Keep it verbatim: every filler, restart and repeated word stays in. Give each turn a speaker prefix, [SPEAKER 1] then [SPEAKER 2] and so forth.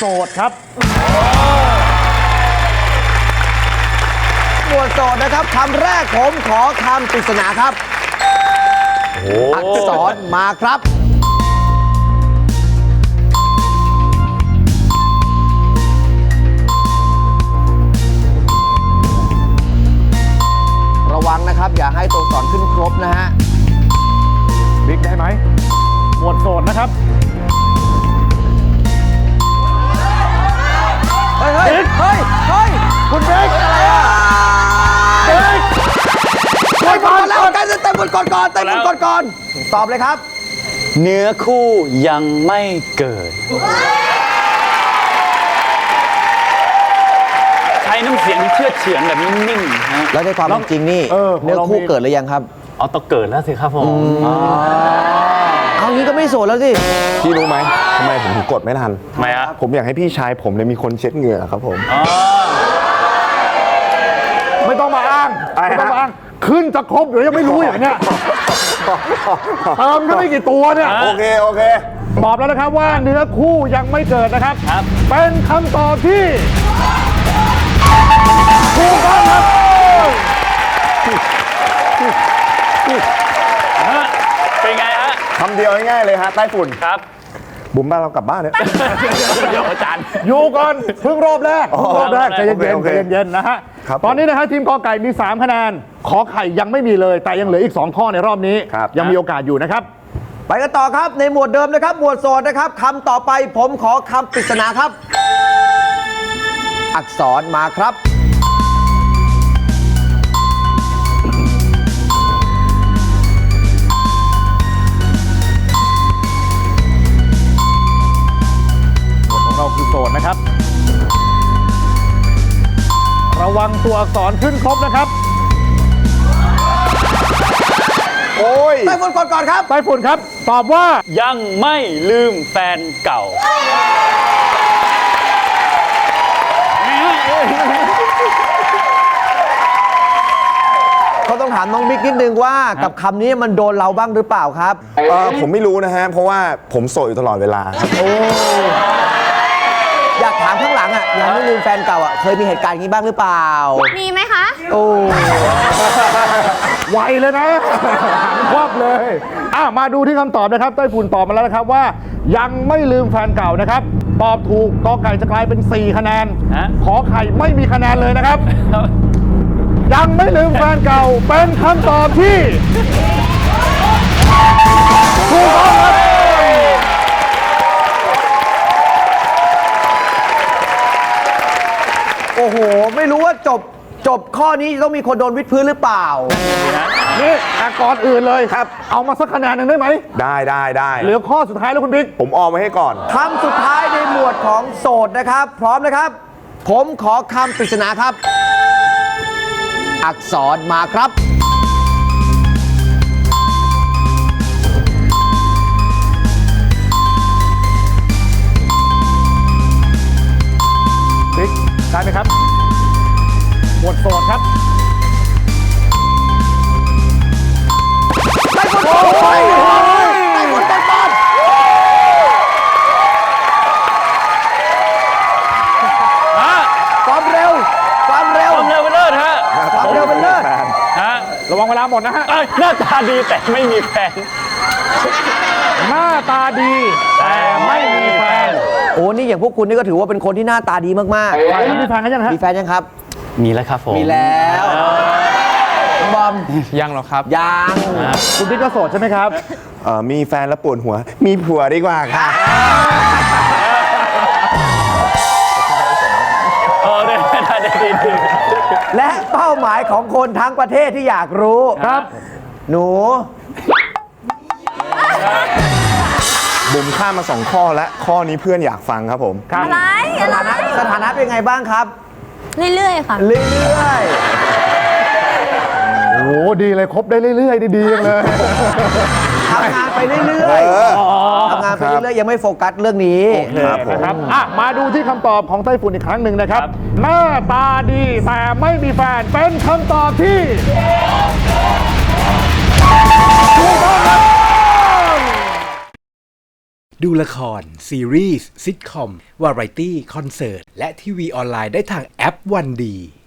[SPEAKER 1] สดครับ
[SPEAKER 2] หมวดโสดนะครับคำแรกผมขอคำปริศนาครับอักษรมาครับระวังนะครับอย่าให้ตัวอักษรขึ้นครบนะฮะ
[SPEAKER 1] บิ๊กได้ไหมหมวดโสดนะครับ
[SPEAKER 2] เฮ้ยเฮ้ยเฮ้ยเฮ้ย
[SPEAKER 1] คุณบิ๊กอะไรอ่ะบิ๊ก
[SPEAKER 2] กดก่อนแล้วการเต็มกดก่อนก่อนเต็มกดก่อนตอบเลยครับ
[SPEAKER 3] เนื้อคู่ยังไม่เกิดใช้น้ำเสียงเชื่อเฉือนแบบนิ่งๆฮะ
[SPEAKER 2] แล้วในความเป็นจริงนี่เนื้อคู่เกิดหรือยังครับ
[SPEAKER 3] เอาต้องเกิดแล้วสิครับผม
[SPEAKER 2] เอางี้ก็ไม่โสดแล้วสิ
[SPEAKER 4] พี่รู้ไหมทำไมผมถึงกดไม่ทัน
[SPEAKER 3] ทำไมครับ
[SPEAKER 4] ผมอยากให้พี่ชายผมเนี่ยมีคนเช็ดเหงื่อครับผม
[SPEAKER 1] ไม่ต้องมาอ้างไม่ต้องมาอ้างขึ้นจะครบหรือยังไม่รู้อย่างเนี้ยเติมก็ไม่กี่ตัวเนี่ย
[SPEAKER 4] โอเคโอเค
[SPEAKER 1] ตอบแล้วนะครับว่าเนื้อคู่ยังไม่เกิดนะครับเป็นคำตอบที่ถูกต้องครับ
[SPEAKER 3] เป็นไงฮะ
[SPEAKER 4] คำเดียวง่ายๆเลยฮะใต้ฝุ่น
[SPEAKER 3] ครับ
[SPEAKER 4] บุ๋มบ้านเรากลับบ้านเนี่ย
[SPEAKER 3] เดี๋ยวอาจารย์
[SPEAKER 1] อยู่ก่อนเพิ่งรอบแรกรอบแรกใจเย็นๆใจเย็นๆนะฮะตอนนี้นะฮะทีมกอไก่มีสามคะแนนขอไข่ยังไม่มีเลยแต่ยังเหลืออีกสองข้อในรอบนี้ยังมีโอกาสอยู่นะครับ
[SPEAKER 2] ไปกันต่อครับในหมวดเดิมนะครับหมวดโสดนะครับคำต่อไปผมขอคำปริศนาครับอักษรมาครับ
[SPEAKER 1] เราคือโสดนะครับระวังตัวอักษรขึ้นครบนะครับ
[SPEAKER 4] โอ้ย
[SPEAKER 2] ไต้ฝุ่นก่อนก่อนครับ
[SPEAKER 1] ไต้ฝุ่นครับตอบว่า
[SPEAKER 3] ยังไม่ลืมแฟนเก่า
[SPEAKER 2] เขาต้องถามน้องบิ๊กนิดนึงว่ากับคำนี้มันโดนเราบ้างหรือเปล่าครับ
[SPEAKER 4] เออผมไม่รู้นะฮะเพราะว่าผมโสดอยู่ตลอดเวลาครับ
[SPEAKER 2] โอ้อยากถามข้างหลังอ่ะยังไม่ลืมแฟนเก่าอ่ะเคยมีเหตุการณ์อย่างนี้บ้างหรือเปล่า
[SPEAKER 5] มีไหมคะ
[SPEAKER 2] โอ้
[SPEAKER 1] ไวเลยนะควับเลยอ่ะมาดูที่คำตอบนะครับไต้ฝุ่นตอบมาแล้วนะครับว่ายังไม่ลืมแฟนเก่านะครับตอบถูกกอไก่จะกลายเป็นสี่คะแนนขอไข่ไม่มีคะแนนเลยนะครับยังไม่ลืมแฟนเก่าเป็นคำตอบที่ถูกต้องครับ
[SPEAKER 2] โอ้โหไม่รู้ว่าจบจบข้อนี้ต้องมีคนโดนวิดพื้นหรือเปล่า
[SPEAKER 1] นี่แต่ก่อนอื่นเลยครับเอามาสักคะแนนหนึ่งได้ไหม
[SPEAKER 4] ได้ได้ได้
[SPEAKER 1] เหลือข้อสุดท้ายแล้วคุณบิ๊ก
[SPEAKER 4] ผมออมไว้ให้ก่อน
[SPEAKER 2] คำสุดท้ายในหมวดของโสดนะครับพร้อมนะครับผมขอคำปริศนาครับอักษรมาครับ
[SPEAKER 1] บิ๊กได้ไหมครับหมวดโสดครับ
[SPEAKER 2] ไต้ฝุ่นไต้ฝุ่นต้นต้นความเร็วความเร็ว
[SPEAKER 3] ความเร็วเป็นเลิศฮะ
[SPEAKER 2] ความเร็วเป็นเลิศ
[SPEAKER 3] ฮะ
[SPEAKER 1] ระวังเวลาหมดนะฮะ
[SPEAKER 3] หน้าตาดีแต่ไม่มีแฟน
[SPEAKER 1] หน้าตาดีแต่ไม่มีแฟน
[SPEAKER 2] โอ้นี่อย่างพวกคุณนี่ก็ถือว่าเป็นคนที่หน้าตาดีมาก
[SPEAKER 1] ๆมีแฟนกันยังฮะ
[SPEAKER 2] มีแฟนยังครับ
[SPEAKER 3] มีแล้วครับผม
[SPEAKER 2] มีแล้วบอม
[SPEAKER 3] ยังหรอครับ
[SPEAKER 2] ยัง
[SPEAKER 1] คุณบิ๊กก็โสดใช่ไหมครับ
[SPEAKER 4] เอ่อมีแฟนแล้วปวดหัวมีผัวดีกว่าค่ะ
[SPEAKER 3] เออได้ได้ได้ดี
[SPEAKER 2] และเป้าหมายของคนทั้งประเทศที่อยากรู้
[SPEAKER 1] ครับ
[SPEAKER 2] หนู
[SPEAKER 4] บุ๋มข้ามมาสองข้อแล้วข้อนี้เพื่อนอยากฟังครับผม
[SPEAKER 5] อะไรอะไร
[SPEAKER 2] สถานะเป็นไงบ้างครับ
[SPEAKER 5] เรื่อยๆค่ะ
[SPEAKER 2] เรื่อย
[SPEAKER 1] ๆโอ้ดีเลยครบได้เรื่อยๆดีๆเลย
[SPEAKER 2] ทำงานไปเรื่อยๆทำงานไปเรื่อยๆยังไม่โฟกัสเรื่องนี้
[SPEAKER 1] นะครับอ่ะมาดูที่คำตอบของไต้ฝุ่นอีกครั้งหนึ่งนะครับหน้าตาดีแต่ไม่มีแฟนเป็นคำตอบที่ถูกต้องครับ
[SPEAKER 6] ดูละคร ซีรีส์ซิทคอม วาไรตี้ คอนเสิร์ต และทีวีออนไลน์ได้ทางแอปวันดี